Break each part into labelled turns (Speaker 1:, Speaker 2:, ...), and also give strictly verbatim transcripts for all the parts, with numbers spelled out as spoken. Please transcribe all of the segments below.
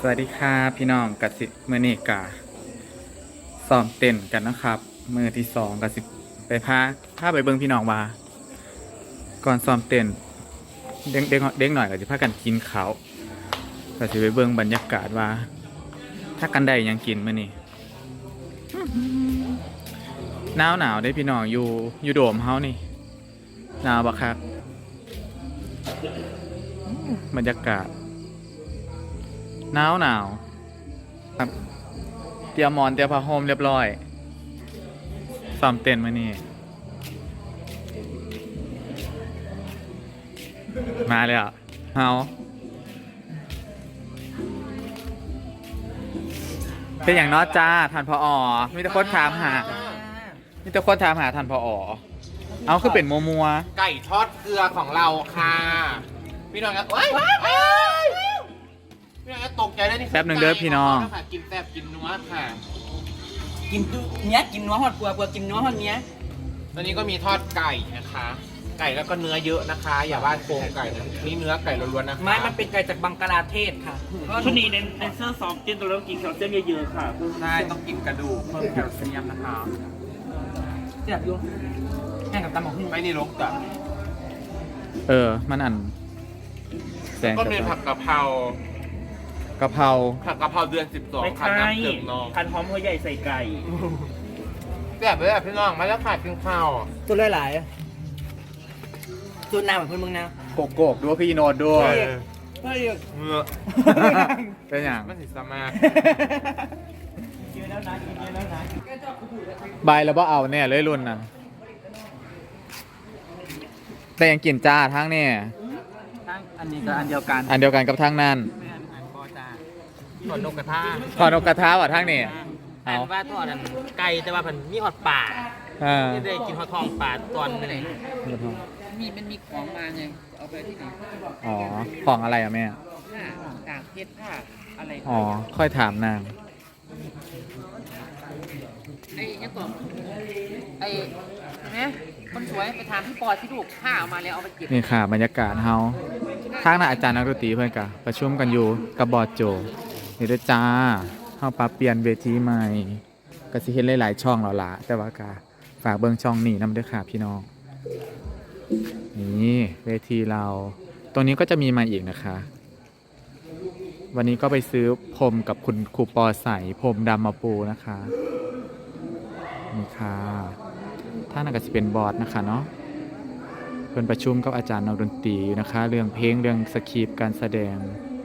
Speaker 1: วัสดีครับพี่น้องกสิเมื่อนี้กาซ้อมเต้นกันนะครับมือที่สองกสิไปพาพาไปเบิ้งพี่น้องว่าก่อนซ้อมเต้นเด้งเด้งเด้งหน่อยก็จะพากันกินข้าวก็จะไปเบิ้งบรรยากาศว่า ถ้ากันได้ยังกินมื่อนี้หนาวหนาวได้พี่น้องอยู่อยู่โดมเฮานี่หนาวบักคักบรรยากาศหนาวหนาวครับเตรียมหมอนเตรียมผ้าห่มเรียบร้อยซ้อมเต้นมานี่มาเลยอ่ะเฮาเป็นอย่างน้อจ้าท่านพออมีแต่คนถามหามีแต่คนถามหาท่านพออเอาคือเป็นมัวมัว
Speaker 2: ไก่ทอดเกลือของเราค่ะพี่น้องครับเฮ้ยพี่น้องตกใจได้นี่
Speaker 1: แป๊บหนึ่งเด้อพี่น้อง
Speaker 2: กินแซ่บกินนัวค่ะ
Speaker 3: กินเนี้ยกินนัวหอดปัวปัวกินนัวหอดเนี้ย
Speaker 2: ตอนนี้ก็มีทอดไก่นะคะไก่แล้วก็เนื้อเยอะนะคะ อย่าว่าโครงไก่นะนี่เนื้อไก่ล้วนๆนะคะ
Speaker 3: ไม่มันเป็นไก่จากบังกลาเทศค่ะ
Speaker 4: ชุดนี้เน้นเน้นเสื้อซอฟต์เจนตัวแล้วกินแคลเซียมเยอะๆค่ะ
Speaker 2: ใช่ต้องกินกระดูกเพิ่มแคลเซียมนะคะ
Speaker 3: เสียบอยู่แห้งกับตำหมกหุ่น
Speaker 2: ไม่นี่ลกจ้ะ
Speaker 1: เออมันอันแสง
Speaker 2: ก็มีผักกะเพราก
Speaker 1: ะเพรา
Speaker 2: ผักกะเพราเดือนสิบสอง
Speaker 4: คัน
Speaker 2: น้ำเกลือน้อง
Speaker 4: คันหอมหัวใหญ่ใส่ไก่
Speaker 2: แบบเลยอ่ะพี่น้องมาแล้วขาดกินข้าว
Speaker 3: ตัวหลายๆตัวหน้าเหมือนคนมึงนะ
Speaker 1: โกโกกด้วยพี่โนดด้วย
Speaker 3: เฮ้ย
Speaker 2: เมื่อ
Speaker 1: เป็นอย่าง
Speaker 2: มันสิสมา
Speaker 1: ใบแล้วบ่เอาเนี่ยเลยรุ่นน่ะแต่ยังกินจ้าทั้งเนี่ย
Speaker 3: อันนี้ก็อันเดียวกัน
Speaker 1: อันเดียวกันกับทั้งนั้น
Speaker 3: ทอดนกกระทะ
Speaker 1: ทอดนกกระทะว่ะทั้งนี่
Speaker 3: อันว่าทอดอันไก่แต่ว่ามันมีหอดป่าไม่ได้กินหอดทองป่าตอนไหนมีมันมีของมาไงเอาไปที่ไหน
Speaker 1: อ๋อของอะไรอ่ะแม่
Speaker 3: ผ้าต่างเพชรผ้าอะไร
Speaker 1: อ๋อค่อยถามนาง
Speaker 3: ไอ้ยังก่อนไอ้เห็นไหมคนสวยไปถามพี่ปอที่ถูกผ้าเอามาแล้วเอาไปเก็บ
Speaker 1: นี่ค่ะบรรยากาศเฮาทางน่ะอาจารย์นักดนตรีเพื่อนกะประชุมกันอยู่กับบอร์ดโจนี่ด้วยจ้าเฮาปรับเปลี่ยนเวทีใหม่ก็สิเห็นหลายๆช่องแล้วล่ะแต่ว่ากะฝากเบิ่งช่องนี้นำด้วยค่ะพี่น้องนี่เวทีเราตรงนี้ก็จะมีมาอีกนะคะวันนี้ก็ไปซื้อพรมกับคุณครูปอใส่พรมดำมาปูนะคะนี่ค่ะท่านก็จะเป็นบอร์ดนะคะเนาะเพิ่นประชุมกับอาจารย์นักดนตรีอยู่นะคะเรื่องเพลงเรื่องสคริปต์การแสดง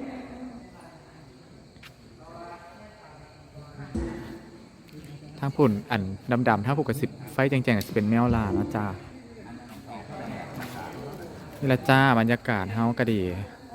Speaker 1: ทั้งผุ่นอันดำๆทั้งผูกกระสิบไฟแจงๆก็จะเป็นแมวลานะจ้านี่ละจ้าบรรยากาศเฮาก็ดี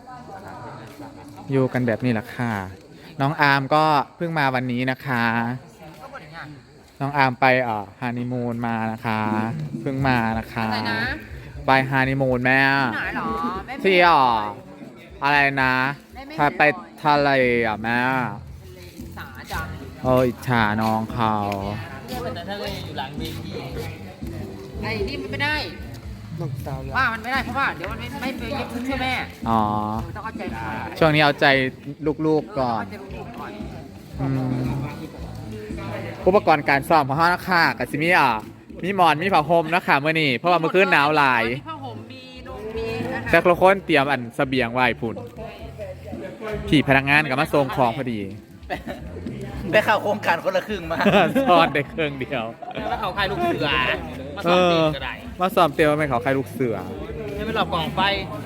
Speaker 1: อยู่กันแบบนี้แหละค่ะน้องอาร์มก็เพิ่งมาวันนี้นะคะน้องอาร์มไปเอ่อฮานีมูนมานะคะเพิ่งมานะคะไปฮานีมูนแม่ที่อ่ออะไรนะพาไปทะเลอ่ะแม่โอ้ยฉาน้องเขา
Speaker 3: ทะเลอยู่หลังเวทีไอ้นี่มันไม่ได้ว่ามันไม่ได้เพราะว่าเดี๋ยวมันไม่ไม่ไปยึดช่วยแม่
Speaker 1: อ๋อ
Speaker 3: ต้องเข้าใจ
Speaker 1: ช่วงนี้เอาใจลูกๆก่อนอุปกรณ์การซ้อมของห้องนักข่ากับซิมี่อ่ะมีหมอนมีผ้าห่มนะคะเมื่อนี้เพราะว่าเมื่อคืนหนาวหลาย
Speaker 3: ผ้าห่มมีนมมี
Speaker 1: แต่ทุกคนเตรียมอันเสบียงไว้พุ่นพี่พนักงานกับมาส่งของพอดี
Speaker 3: ได้ข่าวโครงการคนละครึ่งมา
Speaker 1: ซ้อนได้เครื่องเดียว
Speaker 3: แล้วเขาใครลูกเสือมาซ้อมเตียก็ได้
Speaker 1: มาซ้อมเตียไม่เขาใครลูกเสือ
Speaker 3: ให้ไปหลอกกล่องไฟ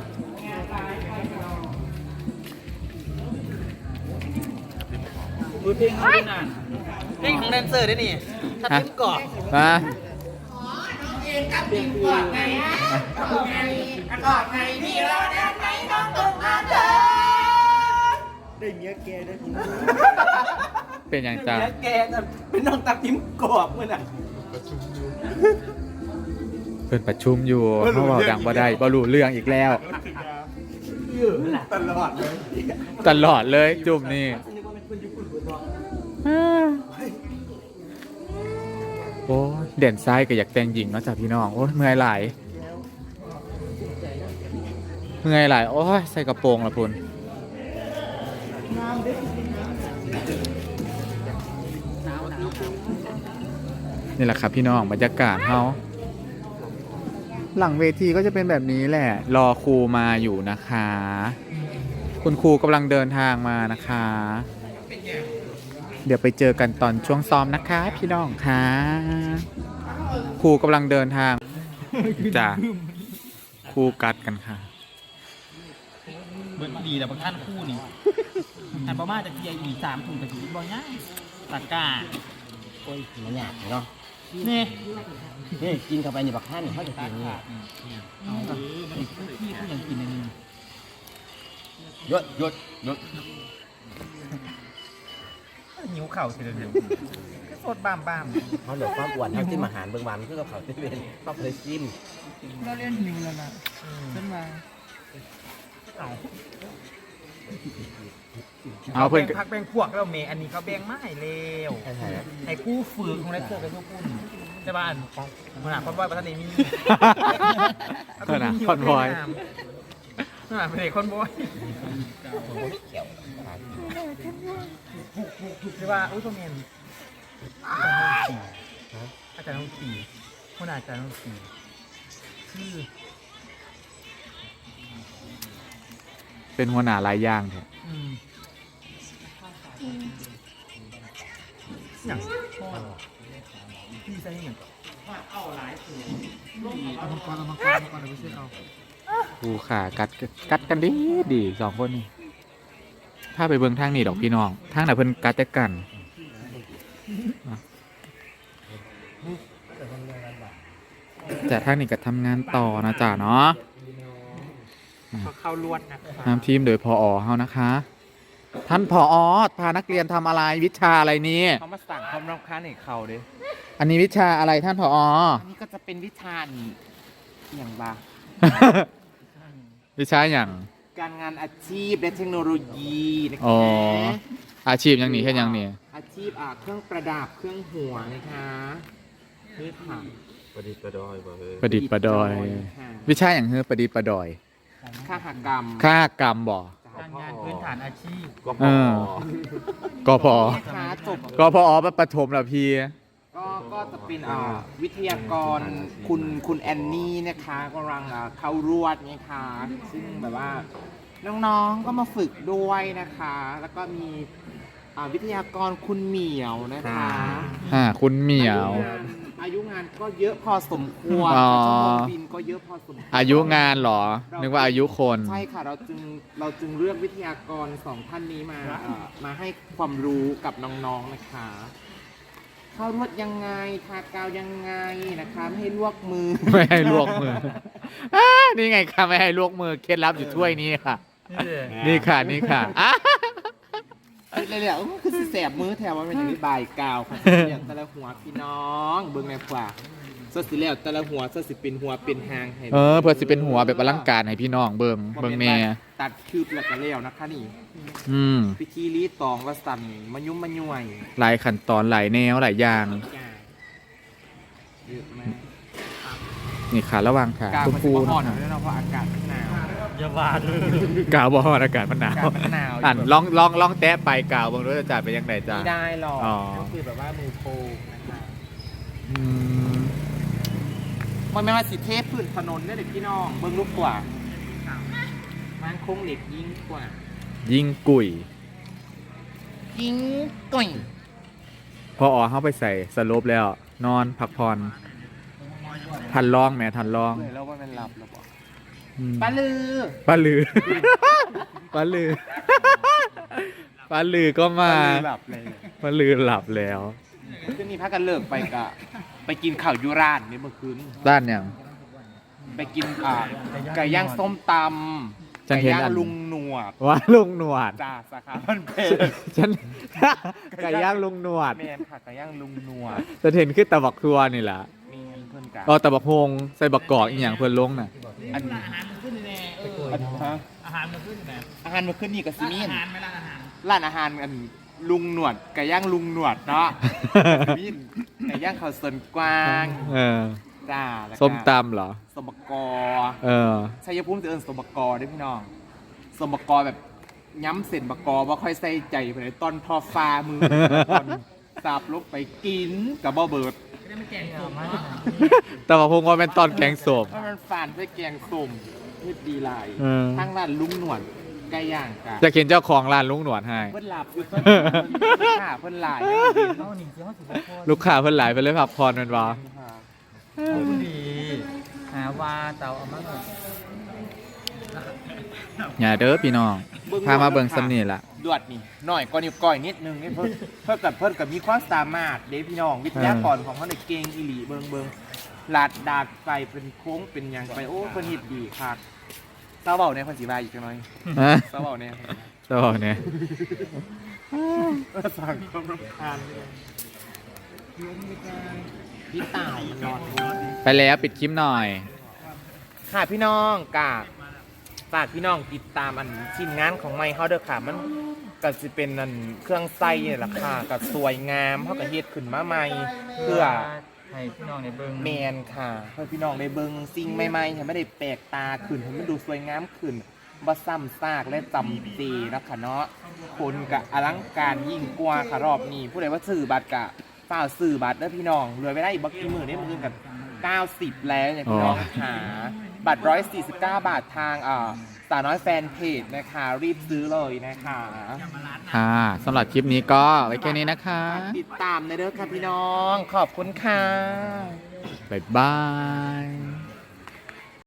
Speaker 3: เพลงเขาด้วยนะเพลงของแดนเซอร์ด้วยนี่ถ้าทิ้งกาะ
Speaker 1: มา
Speaker 3: เองกับทิ้งกาะไงฮะกาะไงกาะไงพี่เราแดนไหนน้องต้องมาเธอได้เมียแกได้
Speaker 1: เป็นอย่างจ้า
Speaker 3: เมียแกเป็นน้องตับทิ้งกาะเมื่อไหร่
Speaker 1: เป็นประชุมอยู่เขาบอกดังบ่ได้บ่รู้เรื่องอีกแล้ว
Speaker 2: ตลอดเลย
Speaker 1: ตลอดเลยจุ่มนี่โอ้เด่นซ้ายก็อยากแต่งหญิงเนาะจ้ะพี่น้องโอ้เมื่อยหลายเมื่อยหลายโอ้ยใส่กระโปรงละพุ่นนี่แหละครับพี่น้องบรรยากาศเขาหลังเวทีก็จะเป็นแบบนี้แหละ รอครูมาอยู่นะคะ คุณครูกำลังเดินทางมานะคะ เดี๋ยวไปเจอกันตอนช่วงซ้อมนะคะพี่น้องค่ะครูกำลังเดินทางจ้ะครูกัดกันค่ะ
Speaker 5: เบิร์ดดีแต่บางท่านคู่นี่หันประมาณจากทีไออีสามถุงกับถุงบอลง่ายตะกร้า
Speaker 3: โอ้ยมันหยาบเนาะ
Speaker 5: นี่
Speaker 3: นี่กินเข้าไปในบักท่านเขาจะกินนี่
Speaker 5: เอากับไอ้พี่เขายังกินในนี้
Speaker 3: ยศยศยศ
Speaker 5: หิวเข่าเฉยเลยก็สดบ้ามบ้าม
Speaker 3: เขาเหลือความอ้วนเขาจิ้มอาหารเบื้องวันคือกับเขาที่เป็นเขาเคยจิ้ม
Speaker 5: เราเรียนหิวแล้วนะขึ้นมาเอา
Speaker 1: เอาเพื่อน
Speaker 5: พักแบ่งพวกเราเมย์อันนี้เขาแบ่งไม่เร็ว
Speaker 3: ใช่ไหม
Speaker 5: ไอ้คู่ฝืนของไรเซอร์กับพวกคุณใช่ป่ะอันของขนาดคอนบอยประธานนี้มี
Speaker 1: ขนาดคอนบอย
Speaker 5: ขนาดเป็นเด็กคอนบอย
Speaker 3: เขียว
Speaker 5: ใช่ป่ะอุ้ยพ่อเมนอาจารย์น้องตีคนอาจารย์น้องตีคือ
Speaker 1: เป็นหัวหน้าหลายอย่างแท้
Speaker 5: อืมอย่างพ่อพี่ใส่อย่างเอาหลายตัวเอามังกรเอามังกรเอามังกรเดี๋ยวไปช่วยเอา
Speaker 1: ครูขากัดกัดกันดีดีสองคนนี่ถ้าไปเบิ่งทางนี้ดอกพี่น้องทางไหนเพิ่นกัดแต่กันแต่ทางนี้ก็ทำงานต่อนะจ๊ะเนาะ
Speaker 5: เขาเข้าลวดนะ
Speaker 1: นำทีมโดยพอเฮานะคะ ท่านพอพานักเรียนทำอะไรวิชาอะไรนี้
Speaker 2: เขามาสั่งความรำคาญให้เขาดิ
Speaker 1: อันนี้วิชาอะไรท่านพอ
Speaker 2: อันนี้ก็จะเป็นวิชาอย่างบ้า
Speaker 1: วิชาอย่าง
Speaker 2: การงานอาชีพและเทคโนโลยีนะ
Speaker 1: อ๋อ
Speaker 2: คะ
Speaker 1: อาชีพอย่างนี้แค่อย่างนี้
Speaker 2: อาชีพอ่าเครื่องประดับเครื่องหัวนะคะนี่ค่ะ
Speaker 3: ประดิษฐ์ประดอยบ่เฮ้ย
Speaker 1: ประดิษฐ์ประดอย
Speaker 2: ค่ะ
Speaker 1: วิชาอย่างเฮ้อประดิษฐ์ประดอย
Speaker 2: ข้าหกรรม
Speaker 1: ค่ากรรมบ่
Speaker 5: การงานพื้นฐานอาชีพ
Speaker 3: ก็พ
Speaker 1: เอ
Speaker 3: อ
Speaker 1: อ กพอ
Speaker 2: นะคะจบ
Speaker 1: กพอประถมเหรอพี่
Speaker 2: ก็ก็จะเป็นอ่าวิทยากรคุณคุณแอนนี่นะคะกำลังอ่าเข้ารวดนะคะซึ่งแบบว่าน้องๆก็มาฝึกด้วยนะคะ แล้วก็มีอ่าวิทยากรคุณเหมียวนะคะ
Speaker 1: อ่า คุณเหมียว
Speaker 2: อายุงานก็เยอะพอสมควร
Speaker 1: อ๋อ
Speaker 2: ชั่วโมงบินก็เยอะพอสมควร
Speaker 1: อายุงานเหรอ นึกว่าอายุคน
Speaker 2: ใช่ค่ะเราจึงเราจึงเลือกวิทยากรสองท่านนี้มาเอ่อมาให้ความรู้กับน้องๆนะคะ เข้ารวดยังไงทากาวยังไงนะคะไม่ให้ลวกมือ
Speaker 1: ไม่ให้ลวกมืออ่านี่ไงค่ะไม่ให้ลวกมือเคล็ดลับอยู่ถ้วยนี้ค่ะ นี่ค่ะนี่ค่ะอ่ะ
Speaker 2: เลยเลยๆคือสิแสบมือแถวว่าเป็นอย่างนี้บายกาวค่ะอย่างแต่ละหัวพี่น้องเบิ่งในขวาสดสิแล้วแต่ละหัวสดสิเป็นหัวเป็นหางให้
Speaker 1: เออเพื่อสิเป็นหัวแบบอลังการให้พี่น้องเบิงเบิงแน่
Speaker 2: ตัดคืบแล้วก็แล้วนะคะนี่
Speaker 1: อืม
Speaker 2: พิธีรีตองวัสันมายุ่มมาย่วย
Speaker 1: หลายขั้นตอนหลายแนวหลายอย่าง
Speaker 2: จ้าเยอะมาก
Speaker 1: นี่ค่ะระหว่างค่ะ
Speaker 2: กาว
Speaker 1: คุณ
Speaker 2: มัน
Speaker 1: ครู
Speaker 2: จะอ่อน
Speaker 1: นะ
Speaker 2: ด้วยเนาะเพราะอากาศมันหนาว
Speaker 5: อย่าว่าเลย
Speaker 1: กาวบอลอากาศมันหนาว
Speaker 2: อากาศมันหนาว
Speaker 1: อ่านลองลองลองแตะไปกาวเบางรู้จะจ่ายไปยังไงจ้า
Speaker 2: ไม่ได้หรอก
Speaker 1: อ๋อ
Speaker 2: ก็คือแบบว่ามือโปรนะคะ
Speaker 1: อืม
Speaker 2: มันไม่ว่าสิเทพพื้นถนนได้เด็กพี่น้องเบิ่งลูกกว่ามันคงเหล็กยิ่งกว่า
Speaker 1: ยิงกุย
Speaker 2: ยิ่งก่อย
Speaker 1: พออ๋อเข้าไปใส่สโลปแล้ว นอนพักผ่อนทันลองแหม่ทันลอง
Speaker 2: เลยแล้วว่ามันหลับแล้วบอก
Speaker 1: อืม
Speaker 2: ปลาลือ
Speaker 1: ปลาลือ ปลาลือ ปลาลือก็มา
Speaker 2: หลับเลย
Speaker 1: ปลาลือหลับแล้ว
Speaker 2: คืนนี้พักกันเลิกไปกะไปกินข้าวยูรานนี่เมื่อคืน
Speaker 1: ด้านอย่าง
Speaker 2: ไปกินอ่าไก่ย่างส้มตำ
Speaker 1: ฉัน
Speaker 2: ไก่
Speaker 1: เห็น
Speaker 2: ย่าง
Speaker 1: อัน
Speaker 2: ลุงหนวด
Speaker 1: ว่าลุงหนวด
Speaker 2: จ้าสาขาพันเพชร
Speaker 1: ฉัน ไก่ย่างลุงหนวด
Speaker 2: แมนค่ะไก่ย่างลุงหนวด
Speaker 1: จะเห็นขึ้นตะบักครัวนี่แหละ
Speaker 2: แมนเพื่อนกัน
Speaker 1: อ๋อตะบักโฮงใส่บักกอกอีกอย่างเพื่อนลงน่ะ
Speaker 2: อัน
Speaker 5: อาหารมันขึ้นแน่เออ
Speaker 2: อันฮะ
Speaker 5: อาหารมันขึ้นแน่
Speaker 2: อาหารมาขึ้นนี่กับซิมี
Speaker 5: อาน หารไม่ร้านอาหาร
Speaker 2: ร้านอาหารอันลุงหนวดไก่ย่างลุงหนวดเนาะซิมีนไก่ย่างข้าวสนกวาง
Speaker 1: เออ
Speaker 2: จ้าแล้วก็
Speaker 1: ส้มตำเหรอ
Speaker 2: สมบกอ
Speaker 1: เออ
Speaker 2: ชัยภูมิจะเอิญสมบกอด้วยพี่น้องสมบกอแบบย้ำเส้นบกอว่าค่อยใส่ใจไปเลยตอนทอฟ้ามือตอนสาบลบไปกินกับบ่เบิด
Speaker 5: ไ
Speaker 1: แต่ว่าพงว่าเป็นตอนแกงส้ม
Speaker 2: เพราะมันฝานด้วยแกงส้มเฮ็ดดีหลาย
Speaker 1: เออ
Speaker 2: ทางร้านลุงหนวดไก่ย่างกะ
Speaker 1: จะเห็นเจ้าของร้านลุงหนวดให้
Speaker 2: เพิ่นหลับอยู่เพิ่นค่ะเพิ่นหลาย
Speaker 5: เอาหนิเสียว่าสิบกว่า
Speaker 1: ลูกค้าเพิ่นหลายไปเลยพักผ่อนแมันบ่
Speaker 5: คนดีหาว่าเตาเอามาหน่อย
Speaker 1: อย่าเด้อพี่น้องพามาเบิ่งสำนีล่ะ
Speaker 2: ดวดนี่หน่อยก็นิ้วก้อยนิดนึงนี่เพิ่นเพิ่นกับเพิ่นกับมีความสามารถเด้พี่น้องวิทยากรของเขาในเก่งอีหลีเบิ่งเบิ่งลาดดาดไปเป็นโค้งเป็นหยังไปโอ้เพิ่นเฮ็ดดีครับเศร้าเบาเนี่ยเพิ่นสิว่าอีกจังหน่อย
Speaker 1: ฮะ
Speaker 2: เศร้าเบาเนี่ย
Speaker 1: เจ้าบอกเนี่ย
Speaker 2: สั่งความรำคาญเลยพี่ตายนอน
Speaker 1: ไปแล้วปิดคลิปหน่อย
Speaker 2: ค่ะพี่น้องกาฝากพี่น้องติดตามอันชิ้นงานของไม้เขาเด้อค่ะมันก็จะเป็นอันเครื่องไส้เนี่ยแหละค่ะกับสวยงามเขาก็เฮ็ดขึ้นมาใหม่เพื่อ
Speaker 5: ให้พี่น้องในเบิ้ง
Speaker 2: แมนค่ะเพื่อพี่น้องได้เบิ่งสิ่งใหม่ๆให้ไม่ได้แปลกตาขึ้นให้มันดูสวยงามขึ้นบ่ซ้ำซากและจำเจนะคะเนาะคนกะอลังการยิ่งกว่าค่ะรอบนี้ผู้ใดว่าซื้อบัตรกะฝ้ากซื้อบัตรเด้อพี่น้องเหลือไว้ได้อีกบ่กี่มื้อนี้มื้อกันเก้าสิบแล้วเนี่ยพี่น้องหาบัตรหนึ่งร้อยสี่สิบเก้าบาททางอ่าสาวน้อยแฟนเพจนะคะรีบซื้อเลยนะคะ
Speaker 1: ค่ะสำหรับคลิปนี้ก็ไว้แค่นี้นะคะ
Speaker 2: ติดตามในเด้อค่ะพี่น้องขอบคุณค่ะ
Speaker 1: บ๊ายบาย